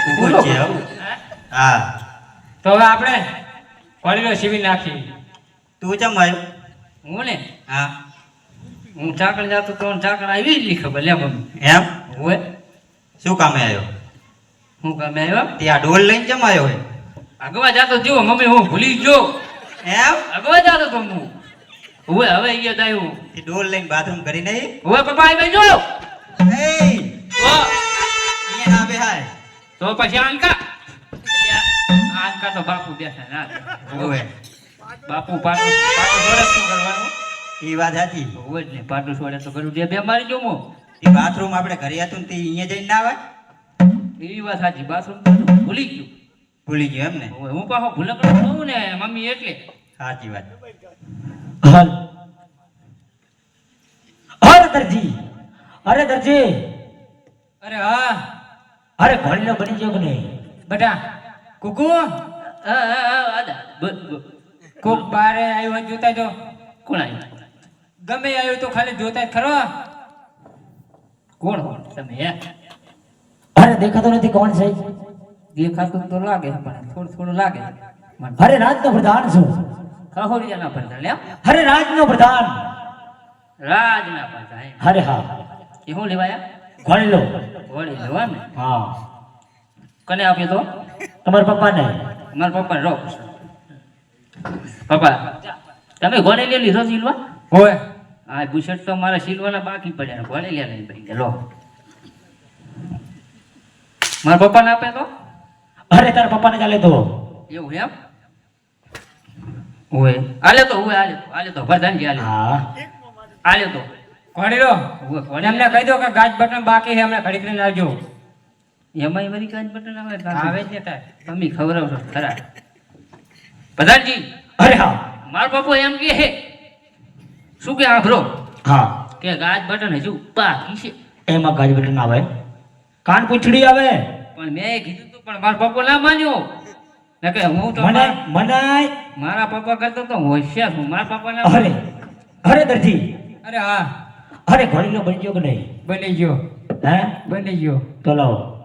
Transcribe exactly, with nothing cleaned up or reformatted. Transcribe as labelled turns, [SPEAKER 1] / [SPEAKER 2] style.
[SPEAKER 1] ઊભું જ છે હો. હા
[SPEAKER 2] તો હવે આપણે કોળીનો સીવી નાખી.
[SPEAKER 1] તું ચમ આવ્યો?
[SPEAKER 2] હું ને
[SPEAKER 1] હા
[SPEAKER 2] હું ચાકણ જાતો તો ચાકણ આવી જ ખબર લે મમ્મી.
[SPEAKER 1] એમ
[SPEAKER 2] હોય
[SPEAKER 1] શું કામે આવ્યો?
[SPEAKER 2] હું ગમે આવ્યો
[SPEAKER 1] તે આ ઢોલ લઈને ચમ આવ્યો હે?
[SPEAKER 2] અગવા જાતો જો મમ્મી હું ભૂલી ગયો.
[SPEAKER 1] એમ
[SPEAKER 2] અગવા જાતો તો હું હવે હવે અહીંયા દાયું
[SPEAKER 1] તે ઢોલ લઈને બાથરૂમ કરી નહીં?
[SPEAKER 2] હવે પપ્પા આવી જો
[SPEAKER 1] એ
[SPEAKER 2] ઓ
[SPEAKER 1] અહીંયા ના બેહાય.
[SPEAKER 2] તો પછી આંકા એટલે આ આંકા તો બાપુ બેઠા ના
[SPEAKER 1] ઓવે
[SPEAKER 2] બાપુ પાટું પાટું છોડે શું કરવાનું?
[SPEAKER 1] એ વાત સાચી.
[SPEAKER 2] હોય જ ને પાટું છોડે તો કરું જે બે મારી જો મો
[SPEAKER 1] એ બાથરૂમ આપણે ઘરે હતું ને તે અહીંયા જઈને ના આવે?
[SPEAKER 2] એવી વાત સાચી બાથરૂમ તો ભૂલી ગયું.
[SPEAKER 1] ભૂલી ગયો એમ ને?
[SPEAKER 2] હવે હું પાછો ભૂલકડો છું ને મમ્મી એટલે
[SPEAKER 1] સાચી વાત.
[SPEAKER 3] હાલ અરે દરજી અરે દરજી
[SPEAKER 2] અરે હા
[SPEAKER 3] અરે ઘોડીનો બની ગયો કે નહીં?
[SPEAKER 2] બેટા કુકુ કોક બારે આવ્યો જોતા જો. કોણ આવ્યું? ગમે આવ્યું તો ખાલી જોતા જ ખરો. કોણ કોણ તમે હે?
[SPEAKER 3] અરે દેખાતો નથી કોણ છે?
[SPEAKER 2] દેખાતું તો લાગે પણ થોડું થોડું લાગે મને.
[SPEAKER 3] અરે રાજનો પ્રધાન છું.
[SPEAKER 2] ખહોડિયાના પડતા લે
[SPEAKER 3] અરે રાજનો પ્રધાન.
[SPEAKER 2] રાજના પડતા હે.
[SPEAKER 3] અરે હા
[SPEAKER 2] એ શું લેવાયા?
[SPEAKER 3] ઘોડીલો.
[SPEAKER 2] વળી લેવા ને
[SPEAKER 3] હા
[SPEAKER 2] કને આપ્યો તો?
[SPEAKER 3] તમારા પપ્પાને.
[SPEAKER 2] મારા પપ્પા રો પપ્પા તમે ઘોડે લે લીધો સિલવા?
[SPEAKER 3] હોય
[SPEAKER 2] હા બુશર્ટ તો મારા સિલવાના બાકી પડ્યા ઘોડે લે નહીં ભાઈ લો મારા પપ્પાને આપે તો?
[SPEAKER 3] અરે તારા પપ્પાને ચાલે તો
[SPEAKER 2] એવું એમ ઓય આલે તો ઓય આલે તો આલે તો પ્રધાનજી આલે
[SPEAKER 3] હા
[SPEAKER 2] આલે તો
[SPEAKER 4] ઘોડી લો
[SPEAKER 2] ઓય ઘોડે
[SPEAKER 4] એમને કહી દો કે ગાજ બટન બાકી છે એમને ઘડીક લઈને આવજો.
[SPEAKER 2] એમાંય વળી કાંઈ બટન આવે
[SPEAKER 4] આવે જ ને તાર.
[SPEAKER 2] તમે ખવડાવશો ખરા પ્રધાનજી.
[SPEAKER 3] અરે હા
[SPEAKER 2] મારો પપ્પો એમ કે હે શું કે આભરો
[SPEAKER 3] હા
[SPEAKER 2] કે ગાજ બટન હજુ બાકી છે.
[SPEAKER 3] એમાં ગાજ બટન આવે કાન પૂંછડી આવે
[SPEAKER 2] પણ મેં કીધું તું પણ મારો પપ્પો ના માન્યો ને કે હું તો
[SPEAKER 3] મને
[SPEAKER 2] મારા-
[SPEAKER 3] મનાય.
[SPEAKER 2] મારા પપ્પા કરતો તો હોશિયાર હું મારા પપ્પા ના
[SPEAKER 3] અરે અરે દરજી
[SPEAKER 4] અરે હા
[SPEAKER 3] અરે ઘોડીલો બની ગયો કે નહીં?
[SPEAKER 4] બની ગયો
[SPEAKER 3] હે
[SPEAKER 4] બની ગયો.
[SPEAKER 3] તો લાવો